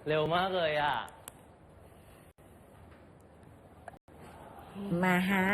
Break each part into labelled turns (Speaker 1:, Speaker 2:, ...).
Speaker 1: เร็วมากเลยอ่ะ
Speaker 2: มาฮะ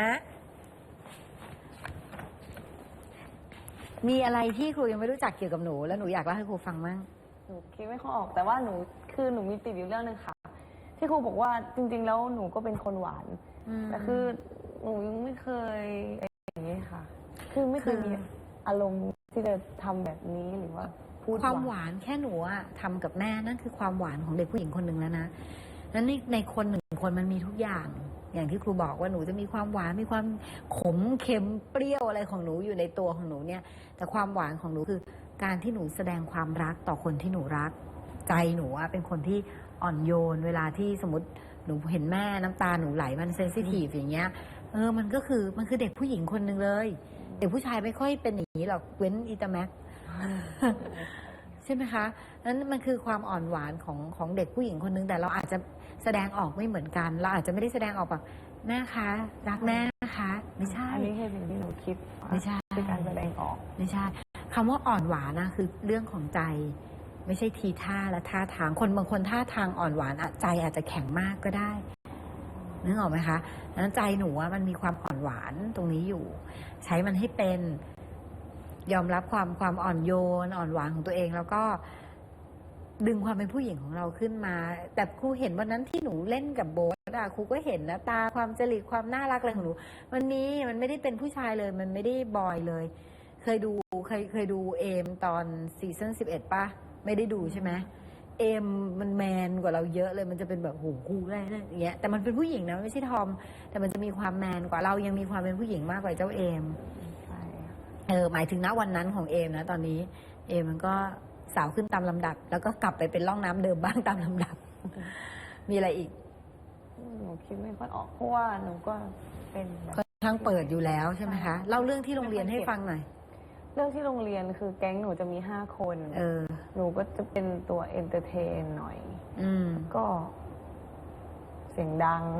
Speaker 2: มีอะไรที่ครูยังไม่รู้จักเกี่ยวกับหนูแล้วหนูอยากเล่าให้ครูฟังมั่ง
Speaker 3: หนูคิดไม่ค่อยออกแต่ว่าหนูมีติดอยู่เรื่องนึงค่ะที่ครูบอกว่าจริงๆแล้วหนูก็เป็นคนหวานแต่คือหนูยังไม่เคยอย่างนี้ค่ะคือไม่เคยมีอารมณ์ที่จะทำแบบนี้หรือว่าพูด
Speaker 2: ความหวานแค่หนูอะทำกับแม่นั่นคือความหวานของเด็กผู้หญิงคนหนึ่งแล้วนะนั้นในคนหนึ่งคนมันมีทุกอย่างอย่างที่ครูบอกว่าหนูจะมีความหวานมีความขมเค็มเปรี้ยวอะไรของหนูอยู่ในตัวของหนูเนี่ยแต่ความหวานของหนูคือการที่หนูแสดงความรักต่อคนที่หนูรักใจหนูอะเป็นคนที่อ่อนโยนเวลาที่สมมติหนูเห็นแม่น้ำตาหนูไหลมันเซนซิทีฟอย่างเงี้ยมันคือเด็กผู้หญิงคนหนึ่งเลยเด็กผู้ชายไม่ค่อยเป็นอย่างนี้หรอกเว้นอีตาแม็ก ใช่ไหมคะนั้นมันคือความอ่อนหวานของเด็กผู้หญิงคนนึงแต่เราอาจจะแสดงออกไม่เหมือนกันเราอาจจะไม่ได้แสดงออกแบบแม่คะรักแม่นะคะไม่ใช่
Speaker 3: อันนี้คือสิ่งที่หนูคิด
Speaker 2: ไม่ใช่
Speaker 3: คือการแสดงออก
Speaker 2: ไม่ใช่คำว่าอ่อนหวานนะคือเรื่องของใจไม่ใช่ทีท่าและท่าทางคนบางคนท่าทางอ่อนหวานใจอาจจะแข็งมากก็ได้นึกออกไหมคะนั้นใจหนูว่ามันมีความอ่อนหวานตรงนี้อยู่ใช้มันให้เป็นยอมรับความอ่อนโยนอ่อนหวานของตัวเองแล้วก็ดึงความเป็นผู้หญิงของเราขึ้นมาแต่ครูเห็นวันนั้นที่หนูเล่นกับโบ๊ทครูก็เห็นนะตาความจริตความน่ารักอะไรของหนูมันไม่ได้เป็นผู้ชายเลยมันไม่ได้บอยเลยเคยดูเอมตอนซีซั่น11ป่ะไม่ได้ดูใช่ไหมเอมมันแมนกว่าเราเยอะเลยมันจะเป็นแบบโหกูอะไรอย่างเงี้ยแต่มันเป็นผู้หญิงนะไม่ใช่ทอมแต่มันจะมีความแมนกว่าเรายังมีความเป็นผู้หญิงมากกว่าเจ้าเอมหมายถึงณวันนั้นของเอมนะตอนนี้เอมมันก็สาวขึ้นตามลำดับแล้วก็กลับไปเป็นร่องน้ำเดิมบ้างตามลำดับ มีอะไรอีก
Speaker 3: หนูคิดไม่ค่อยออกเพราะว่าหนูก็เป็น
Speaker 2: ค่อนข้างเปิดอยู่แล้วใช่ไหมคะเล่าเรื่องที่โรงเรียนให้ฟังหน่อย
Speaker 3: เรื่องที่โรงเรียนคือแก๊งหนูจะมี5 คนหนูก็จะเป็นตัวเอนเตอร์เทนหน่อยก็เสียงดัง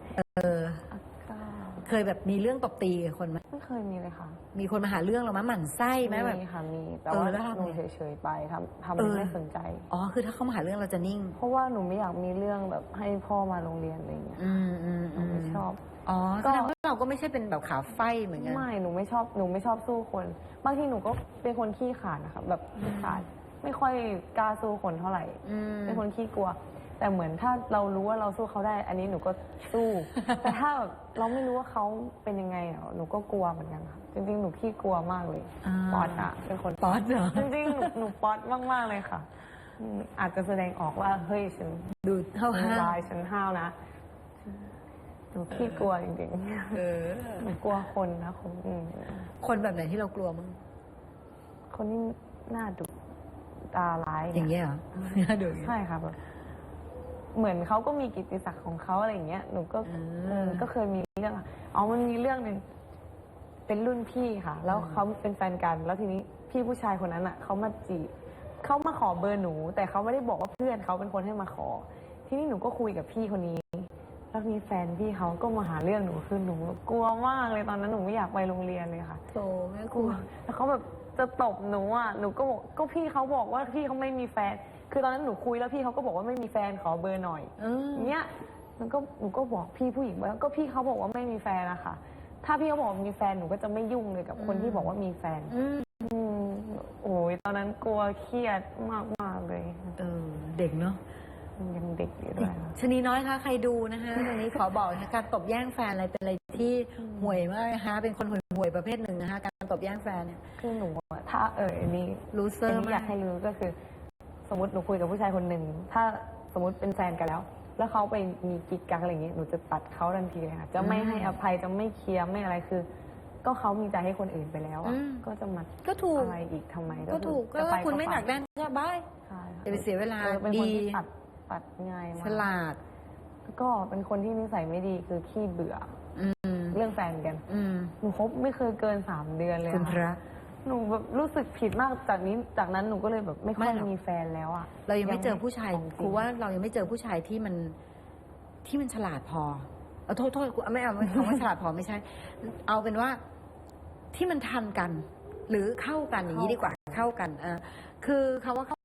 Speaker 2: เคยแบบมีเรื่องตบตีกับคนไหม
Speaker 3: ไม่เคยมีเลยค่ะ
Speaker 2: มีคนมาหาเรื่องเราไหมหมั่นไส้ไหมแบบ
Speaker 3: มีค่ะมีแต่ว่าหนูเฉยๆไปทำไม่สนใจ
Speaker 2: คือถ้าเขามาหาเรื่องเราจะนิ่ง
Speaker 3: เพราะว่าหนูไม่อยากมีเรื่องแบบให้พ่อมาโรงเรียนอะไรอย่างเงี้ยหนูไม่ชอบ
Speaker 2: แสดงว่าเราก็ไม่ใช่เป็นแบบขาไฟเหมือนกัน
Speaker 3: ไม่หนูไม่ชอบสู้คนบางทีหนูก็เป็นคนขี้ขลาดนะคะแบบขี้ขลาดไม่ค่อยกล้าสู้คนเท่าไหร่เป็นคนขี้กลัวแต่เหมือนถ้าเรารู้ว่าเราสู้เขาได้อันนี้หนูก็สู้แต่ถ้าแบบเราไม่รู้ว่าเขาเป็นยังไงหนูก็กลัวเหมือนกันค่ะจริงๆหนูขี้กลัวมากเลยป๊อตเป็นคน
Speaker 2: ป๊อตเหรอ
Speaker 3: จริงๆหนูป๊อตมากๆเลยค่ะอาจจะแสดงออกว่าเฮ้ยฉัน
Speaker 2: ดูห้าว
Speaker 3: ฉันห้าวนะหนูขี้กลัวจริงๆหนูกลัวคนนะ
Speaker 2: คนแบบไหนที่เรากลัวมั้ง
Speaker 3: คนที่หน้าดุตาร้าย
Speaker 2: อย่างเงี้ยเหรอหน้าดุ
Speaker 3: ใช่ค่ะแบบเหมือนเขาก็มีกิตติศักดิ์ของเขาอะไรอย่างเงี้ยหนูก็เคยมีเรื่องมันมีเรื่องหนึ่งเป็นรุ่นพี่ค่ะแล้วเขาเป็นแฟนกันแล้วทีนี้พี่ผู้ชายคนนั้นเขามาจีบเขามาขอเบอร์หนูแต่เขาไม่ได้บอกว่าเพื่อนเขาเป็นคนให้มาขอทีนี้หนูก็คุยกับพี่คนนี้แล้วมีแฟนพี่เขาก็มาหาเรื่องหนูคือหนูกลัวมากเลยตอนนั้นหนูไม่อยากไปโรงเรียนเลยค่ะ
Speaker 2: โธ่แม่กลัว
Speaker 3: แล้วเขาแบบจะตบหนูหนูก็บอกก็พี่เขาบอกว่าพี่เขาไม่มีแฟนคือตอนนั้นหนูคุยแล้วพี่เขาก็บอกว่าไม่มีแฟนขอเบอร์หน่อยเนี้ยหนูก็บอกพี่ผู้หญิงว่าก็พี่เขาบอกว่าไม่มีแฟนนะคะถ้าพี่เขาบอกมีแฟนหนูก็จะไม่ยุ่งเลยกับคนที่บอกว่ามีแฟนโอ้ยตอนนั้นกลัวเครียดมากเลย
Speaker 2: เด็กเนาะ
Speaker 3: ยังเด็กอยู่ด้วย
Speaker 2: ชนีน้อยคะใครดูนะคะตรงนี้ขอบอกนะคะการตบแย่งแฟนอะไรเป็นอะไรที่ห่วยมากนะคะเป็นคนห่วยประเภทหนึ่งนะคะการตบแย่งแฟนเนี่ย
Speaker 3: คือหนูถ้านี่
Speaker 2: รู้เซอร์
Speaker 3: อยากให้รู้ก็คือสมมติหนูคุยกับผู้ชายคนหนึ่งถ้าสมมติเป็นแฟนกันแล้วเขาไปมีกิ๊กกักอะไรอย่างเงี้ยหนูจะตัดเขาทันทีเลยค่ะจะไม่ให้อภัยจะไม่เคลียร์ไม่อะไรคือก็เขามีใจให้คนอื่นไปแล้วก็จะมา
Speaker 2: ก็ถูก
Speaker 3: อะไรอีกทำไม
Speaker 2: ก็ถูกก็คุณไม่หนักแน่นก็บายจะไปเสียเวลา
Speaker 3: ดีตัดง่ายมาก
Speaker 2: ฉลาด
Speaker 3: ก็เป็นคนที่นิสัยไม่ดีคือขี้เบื่อเรื่องแฟนกันหนูคบไม่เคยเกิน3 เดือนเลย
Speaker 2: คุณพระ
Speaker 3: หนูแบบรู้สึกผิดมากจากนั้นหนูก็เลยแบบไม่ค่อยมีแฟนแล้ว
Speaker 2: เรายังไม่เจอผู้ชายครูว่าเรายังไม่เจอผู้ชายที่มันฉลาดพอโทษไม่เอาฉลาดพอไม่ใช่เอาเป็นว่าที่มันทันกันหรือเข้ากันอย่างนี้ดีกว่าเข้ากันคือคำว่าเข้า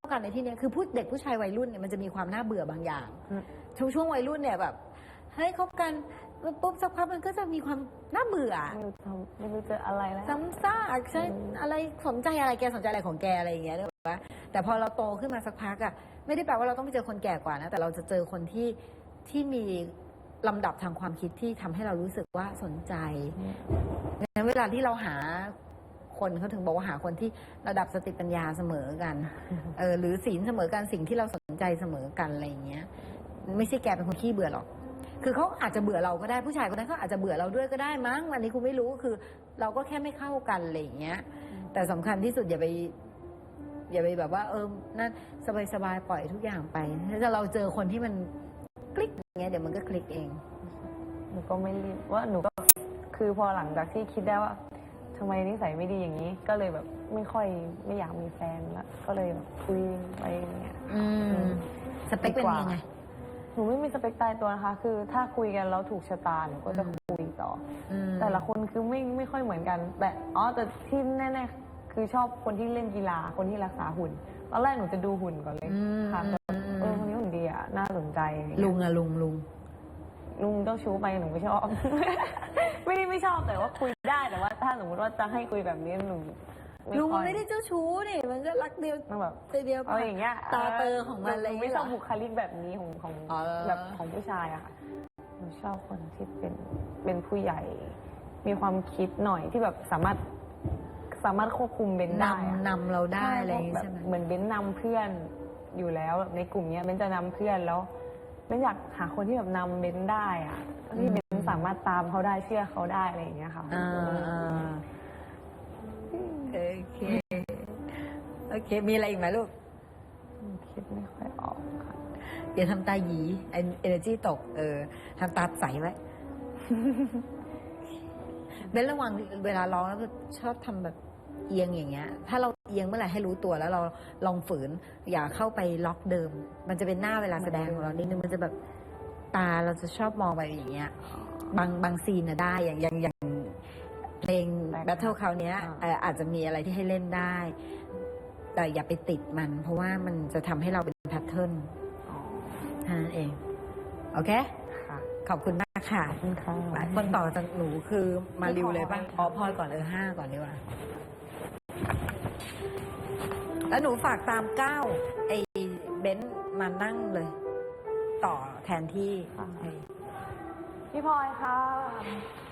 Speaker 2: กันในที่เนี้ยคือเด็กผู้ชายวัยรุ่นเนี่ยมันจะมีความน่าเบื่อบางอย่าง
Speaker 3: อืม
Speaker 2: ช่วงวัยรุ่นเนี่ยแบบเฮ้ยคบกันปุ๊บสักพักมันก็จะมีความน่าเบื่อ
Speaker 3: ไม่รู้จะอะไรแล้ว
Speaker 2: ซ้ำซากใช่อะไรสนใจอะไรแกสนใจอะไรของแกอะไรอย่างเงี้ยนึกออกปะแต่พอเราโตขึ้นมาสักพักอะไม่ได้แปลว่าเราต้องไปเจอคนแก่กว่านะแต่เราจะเจอคนที่มีลำดับทางความคิดที่ทำให้เรารู้สึกว่าสนใจงั้นเวลาที่เราหาคนเขาถึงบอกว่าหาคนที่ระดับสติปัญญาเสมอกันหรือศีลเสมอกันสิ่งที่เราสนใจเสมอกันอะไรอย่างเงี้ยไม่ใช่แกเป็นคนขี้เบื่อหรอกคือเขาอาจจะเบื่อเราก็ได้ผู้ชายคนนั้นเขาอาจจะเบื่อเราด้วยก็ได้มั้งวันนี้คุณไม่รู้คือ เราก็แค่ไม่เข้ากันอะไรอย่างเงี้ยแต่สำคัญที่สุดอย่าไปแบบว่านั่นสบายๆปล่อยทุกอย่างไปถ้าเราเจอคนที่มันคลิกอย่างเงี้ยเดี๋ยวมันก็คลิกเอง
Speaker 3: หนูก็ไม่รีบว่าหนูก็คือพอหลังจากที่คิดได้ว่าทำไมนิสัยไม่ดีอย่างนี้ ก็เลยแบบไม่อยากมีแฟนแล้วก็เลยแบบคุยไปอย่างเงี้ย
Speaker 2: สเปคเป็นยังไง
Speaker 3: หนูไม่มีสเปคตายตัวนะคะ คือถ้าคุยกันแล้วถูกชะตาหนูก็จะคุยต่อแต่ละคนคือไม่ค่อยเหมือนกันแต่แต่ที่แน่ๆคือชอบคนที่เล่นกีฬาคนที่รักษาหุ่นตอนแรกหนูจะดูหุ่นก่อนเลยค่ะคนนี้หุ่นดีอ่ะน่าสนใจ
Speaker 2: ลุง
Speaker 3: เจ้าชู้ไปหนูไม่ชอบ ไม่ชอบแต่ว่าคุยได้แต่ว่าถ้าสมมติว่าจะให้คุยแบบนี้หนู
Speaker 2: ลุงมันไม่ได้เจ้าชู้นี่มันก็รักเดียว
Speaker 3: แบบ
Speaker 2: ใจเดียว
Speaker 3: เอาอย่างเงี้ย
Speaker 2: ตาเตอของมันอะไร
Speaker 3: ไม่ชอบบุคลิกแบบนี้ของแบบของผู้ชายอะค่ะหนูชอบคนที่เป็นผู้ใหญ่ มีความคิดหน่อยที่แบบสามารถควบคุมเบนได้
Speaker 2: นำเราได้อะไรอย่างงี้ใช่ไหม
Speaker 3: เหมือนเบนนำเพื่อนอยู่แล้วในกลุ่มเนี้ยเบนจะนำเพื่อนแล้วเบนอยากหาคนที่แบบนำเบนได้อะที่เบนสามารถตามเขาได้เชื่อเขาได้อะไรอย่างเงี้ยค่ะ
Speaker 2: โอเคมีอะไรอีกไหมลูก
Speaker 3: คิดไม่ค่อยออกค่ะ
Speaker 2: เดี๋ยวทำตาหยีเอเนอร์จีตกทำตาใสไว้ เบนระวังเวลาร้องแล้วก็ชอบทำแบบเอียงอย่างเงี้ยถ้าเราเอียงเมื่อไหร่ให้รู้ตัวแล้วเราลองฝืนอย่าเข้าไปล็อกเดิมมันจะเป็นหน้าเวลาแสดงของเรานิดนึงมันจะแบบตาเราจะชอบมองไปอย่างเงี้ยบางซีนน่ะได้อย่างเพลง Battle คราวเนี้ยอาจจะมีอะไรที่ให้เล่นได้ แต่อย่าไปติดมันเพราะว่ามันจะทำให้เราเป็นแพทเทิร์นนั่นเองโอเค
Speaker 3: ค่ะ
Speaker 2: ขอบคุณมากค่ะ
Speaker 3: ขอบคุณค่ะ
Speaker 2: คนต่อจากหนูคือมาริวเลยป่ะพลอยก่อน5ก่อนดีกว่าแล้วหนูฝากตาม9ไอ้เบนซ์มานั่งเลย ต่อแทนที่
Speaker 3: พี่พลอยค่ะ